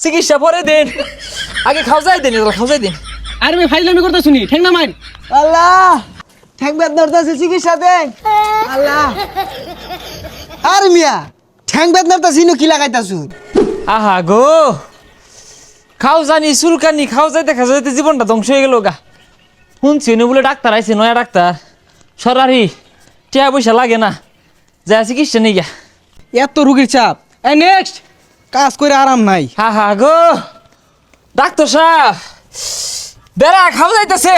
চিকিৎসা পরে দেন, আগে খাওয়াই দেন, খাওয়াই দেন। আরে ভাই ফাইজলামি করতে শুনি ঠেং না মাইন। আল্লাহ ঠ্যাং বেদনার দাসে চিকিৎসা দেন আল্লাহ। আর মিয়া ঠ্যাং বেদনার দাসে কি লাগাইতাছুন? আহা গো, খাও জানি চুলকানি, খাও যাইতে খাও যাইতে জীবনটা ধ্বংস হয়ে গেল গা। শুনছি নি বলে ডাক্তার আইছে, নয়া ডাক্তার সরারি, টিয়া পয়সা লাগে না, যা চিকিৎসা নেই গা। এত রুগীর চাপ। এই নেক্সট কাজ করে আরাম নাই। হা হা গো, ডাক্তার সাহেব বেড়া খাও যাইতেছে।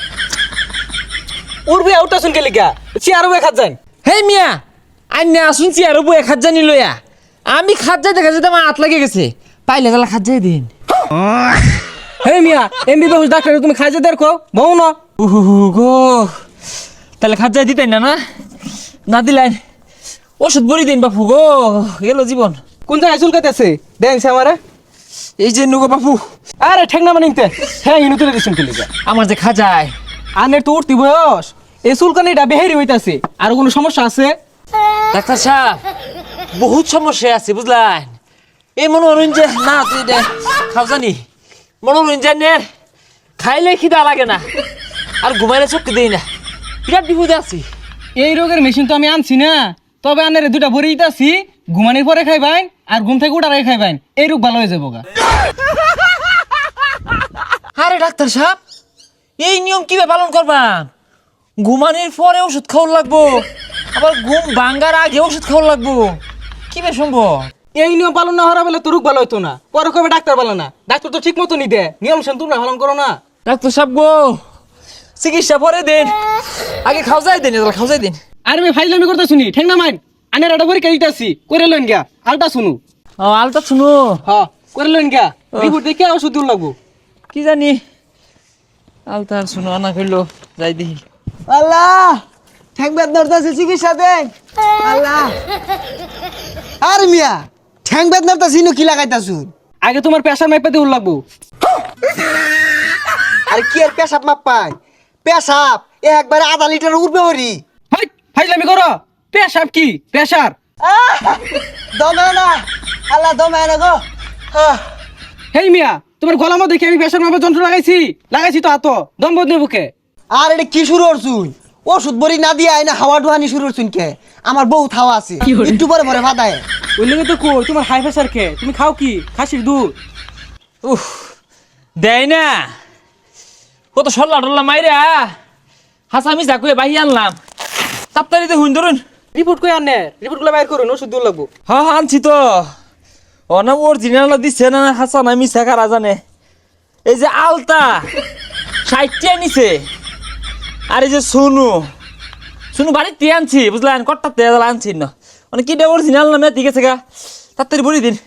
উড়বে আউটা শুন গেলি গা চেয়ার বয়ে খাত যান। হেই মিয়া, আইনা শুনছি আর বয়ে খাত জানি লইয়া, আমি খাত যাইতে খাত যাইতে আমার হাত লাগে গেছে, পাইলে তাহলে খাত যাই দিন। হে মিয়া এমবিবিএস ডাক্তার তুমি খাইজে দেখো বউ না। গো তাহলে খাত যাই দিতেন না, না না দিলেন ওষুধ বড়ি দিন বাপু গো, গেল জীবন। কোন জায়গায় চুলকাইতেছে দেন সে আমারে। এই যে নুগো বাপু, আরে ঠেং না মানিতে হ্যাঁ ইনু তুলে দিছেন গেলি গা। আমার যে খাজায় আনের তো উঠতি বয়স, এই চুলকানিটা বেহেরি হইতাছে। আর কোনো সমস্যা আছে? ডাক্তার সাহেব বহুত সমস্যা আছে বুঝলেন। এই মনোরঞ্জন যে না তুই দে খাও জানি, মনোরঞ্জনের খাইলে খিদা লাগে না, আর ঘুমাইলে চোখ দেই না, বিরাট বিপদে আছি। এই রোগের মেশিন তো আমি আনছি না, তবে আনের দুটা ভরে দিতেছি, ঘুমানোর পরে খাইবেন আর ঘুম থেকে উঠার আগে খাইবেন, এই রোগ ভালো হয়ে যাবো গা। আরে ডাক্তার সাহেব এই নিয়ম কিভাবে পালন করবাম? ঘুমানোর পরে ওষুধ খাওয়ার লাগবো, আবার ঘুম ভাঙ্গার আগে ওষুধ খাওয়ার লাগবো, কিভাবে সম্ভব? এই নিয়ম পালন না হওয়া বলে তো রোগ ভালো হইতো না, পরে কবে ডাক্তার ভালো না, ডাক্তার তো ঠিক মতো নি দে, নিয়ম শুন তোমরা পালন করো না। ডাক্তার সাহেব গো, চিকিৎসা পরে দেন, আগে খাও যাই দেন, খাও যাই দেন। আরে ভাই ফাইজলামি করতে শুনি ঠেং না মাইন। আনের একটা পরীক্ষা দিতেছি করে লইন গা, আলটা শুনু। ও আলতা শুনো, হ্যাঁ করে লইন গা, রিপোর্ট দেখে ওষুধ দিন লাগবো। কি জানি আলতা শুনো আনা করলো, যাই দেখি। আল্লাহ ঠ্যাং বেদনার দাসে চিকিৎসা দেন আল্লাহ। আর মিয়া ঠ্যাং বেদনার দাসে কি লাগাইতাছুন? আগে তোমার প্রেশার মাইপা দিন লাগবো। আর কি আর পেশাব মাপ পাই? পেশাব একবারে আধা লিটার উঠবে হরি। হাই ফাইজলামি করো, প্রেশার কি প্রেশার? দমে না আল্লাহ, দমে না গো। হেই মিয়া তোমার গলার মধ্যে দেখি আমি প্রেশার মাপার যন্ত্র লাগাইছি তো হাতো দম বদনে বুকে। আর এটা কি শুরু করছুন? ওষুধ বড়ি না দিয়ে আইনা হাওয়া ডুহানি শুরু করছুন কে? আমার বউ থাওয়া আছে, একটু পরে পরে ভাদায়। ওই লেগে তো কই তোমার হাই প্রেশার কে? তুমি খাও কি খাসির দুধ? উফ দেয় না, কত সল্লা টল্লা মাইরা হাসামি যাকুয়ে বাহি আনলাম, তাড়াতাড়িতে হুন ধরুন। রিপোর্ট কই আনে? রিপোর্ট গুলো বাইর করুন, ওষুধ দিন লাগবো। হ্যাঁ হ্যাঁ আনছি তো, অনাম অরিজিনাল দিচ্ছে না হাসান, আমি শেখারা জানে। এই যে আলতা 60টা নিছে, আর এই যে সোনু সোনু বাড়িতে আনছি বুঝলেন, কট্টা তেল আনছি না, মানে কি অরিজিনাল নামে ঠিক আছে গা, তাড়াতাড়ি বলি দিন।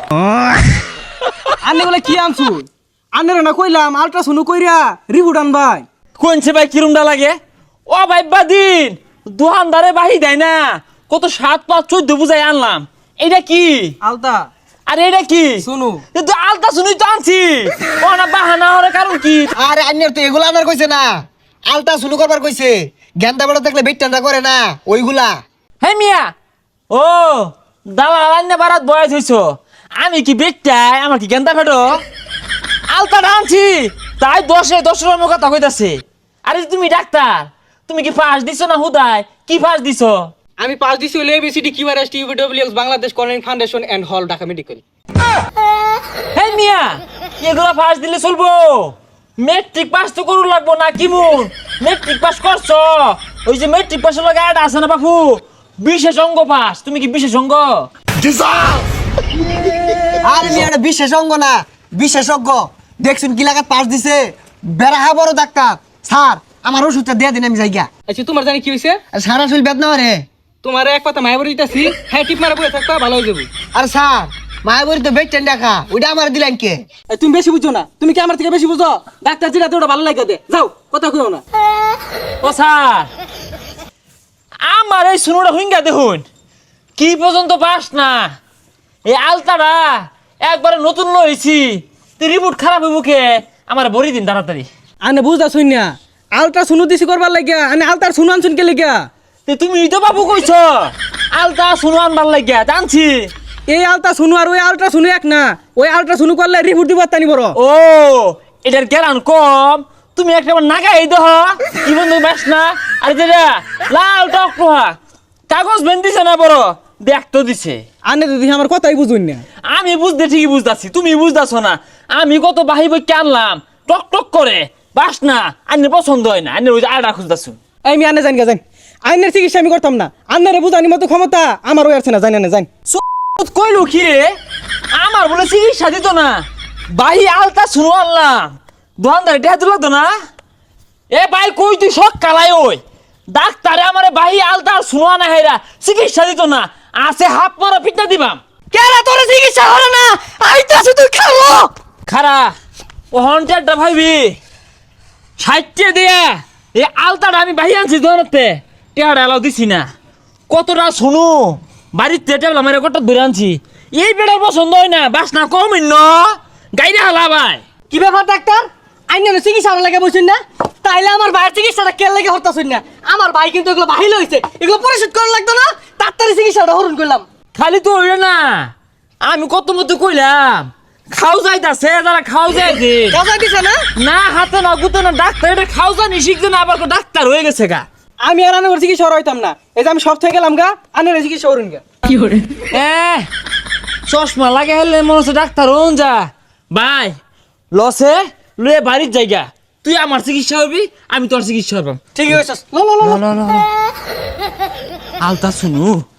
আনে বলে কি আনছু? আনের না কইলাম আল্ট্রাসাউন্ড কইরা রিপোর্ট আনবাই। কোনছে ভাই কিরমটা লাগে? ও ভাই বাদিন দোকানদারে বাহি দেয় না, কত 7, 5, 14 বুঝাই আনলাম। এইটা কি? আলতা। আরে এটা কি? শুনু কিন্তু আলতা শুনুই তো আনছি, ও না বাহানা হওয়ার কারণ কি? আরে আন্যের তো এগুলা আনার কইছে না, আলতা শুরু করবার কইছে। গেন্দা বেড়া দেখলে বেটটা করে না ওইগুলা। হে মিয়া, ও দালাল আন্না বারাত বয়স হইছো, আমি কি বেটাই? আমার কি গেন্দা ফেটো? আলতা আনছি তাই 10 রকম কথা কইতাছে। আরে তুমি ডাক্তার, তুমি কি ফাঁস দিছো না হুদায়? কি ফাঁস দিছো? আমি পাস দিছি হলো এবিসিডি কিউআরএস টিউবিডব্লিউএক্স বাংলাদেশ কর্নিং ফাউন্ডেশন এন্ড হল ঢাকা মেডিকেল। হে মিয়া, এগুলা ফাঁস দিলে চলবো? মেট্রিক পাস তো করু লাগবো না কি মুন? মেট্রিক পাস করছো? ওই যে মেট্রিক পাসের লগে আট আছে না বাপু, বিশেষ অঙ্গ পাস। তুমি কি বিশেষ অঙ্গ? আরে মিয়া এটা বিশেষ অঙ্গ না, বিশেষজ্ঞ। দেখছুন কি লাগাত পাস দিছে, বেড়া বড় ডাক্তার। স্যার আমার ওষুধটা দিয়ে দিন, আমি যাই গা। আচ্ছা তোমার জানি কি হইছে? আর সারা শরীর বেদনা রে। তোমার এক কথা মায়া বলে দিতাছি, হ্যাঁ টিপ মারা বলে থাকবা ভালো হয়ে যাবে। আর স্যার মায়াবরী তো বেটটেন দেখা, ওইটা আমার দিলেন কে? তুমি বেশি বুঝছো না, তুমি কি আমার থেকে বেশি বুঝো? ডাক্তার যেটা ওটা ভালো লাগে দে, যাও কথা কইও না। ও স্যার, আমার এই শুনুটা হুইঙ্গা দেখুন, কি পর্যন্ত পাস না। এই আলতাটা একবারে নতুন লইছি, তুই রিপোর্ট খারাপ হইব কে? আমার বড়ি দিন তাড়াতাড়ি। আনে বুঝা শুন না, আলট্রা শুনু দিছি করবার লাগিয়া, আনে আলতার শুনু আনছুন কে লাগিয়া? তুমি তো বাবু কইছ আলতা শুনো আনবার লাগিয়া জানছি, এই আলতা শুনু আর ওই আলট্রা শুনু এক না, ওই আলট্রা শুনু করলে রিপোর্ট দিব তানি বড়। ও এটার কেরান কম, তুমি একটা নাগাই দেহ কি বন্ধু বাস না। আর যেটা লাল টকটোহা কাগজ বেন দিছে না বড়, দেখতো দিছে। আনে তো দেখি আমার কথাই বুঝুন না। আমি বুঝতে ঠিকই বুঝতাছি, তুমি বুঝতাছো না। আমি কত বাহি বই আনলাম, টক টক করে বাস না, আন্নের পছন্দ হয় না, আন্নের ওই যে আড়া খুঁজতাছো। এই আমি আনে জানি গা, জানি আইনের চিকিৎসা আমি করতাম না, আন্নারে বুঝানি মতো ক্ষমতা আমার ওই আছে না, জানি না জানি। কইলো কি রে, আমার বলে চিকিৎসা দিত না, বাহি আলতা শুনো আনলাম, দোকানদার এটা দিল তো না। এ ভাই কই তুই সব কালাই ওই ডাক্তারে আমারে বাহি আলতা শুনো না হেরা চিকিৎসা দিত না, আছে হাত মারা পিঠা দিবাম। কেরা তোর চিকিৎসা হলো না, আইতাছে তুই খাবো। খারা ও হন্টারটা ভাইবি 60 দিয়া এই আলতাটা আমি বাহি আনছি দোকানতে, টেহারা এলাও দিছি না। কতটা শুনু বাড়িতে টেবলা মেরে কত ধরে আনছি, এই বেড়ার পছন্দ হয় না, বাস না কম ন গাইরে হালা ভাই। কি ব্যাপার ডাক্তার, আইনের চিকিৎসা লাগে বলছেন না, তাইলে আমার ভাইয়ের চিকিৎসাটা কে লাগে হরতাছেন না? আমার ভাই কিন্তু এগুলো বাহিল হয়েছে, এগুলো পরিশোধ করা লাগতো না, তাড়াতাড়ি চিকিৎসাটা হরণ করলাম। খালি তো হইলে না, আমি কত মতো কইলাম খাও যাইতাছে, যারা খাও যাইছে কথা দিছে না? না হাতে না গুতে না, ডাক্তার এটা খাও জানি শিখছে না, আবার ডাক্তার হয়ে গেছে গা। আমি আর আনার চিকিৎসা হরাইতাম না, এই যে আমি সব থেকে গেলাম গা, আনার চিকিৎসা হরুন গা। কি করে চশমা লাগে হেলে মনে হচ্ছে ডাক্তার হন যা। ভাই লসে লুয়ে বাড়ির জায়গা, তুই আমার চিকিৎসা হবি, আমি তোর চিকিৎসা হবাম। ঠিক আছে, লো লো লো লো। আলতা শুনু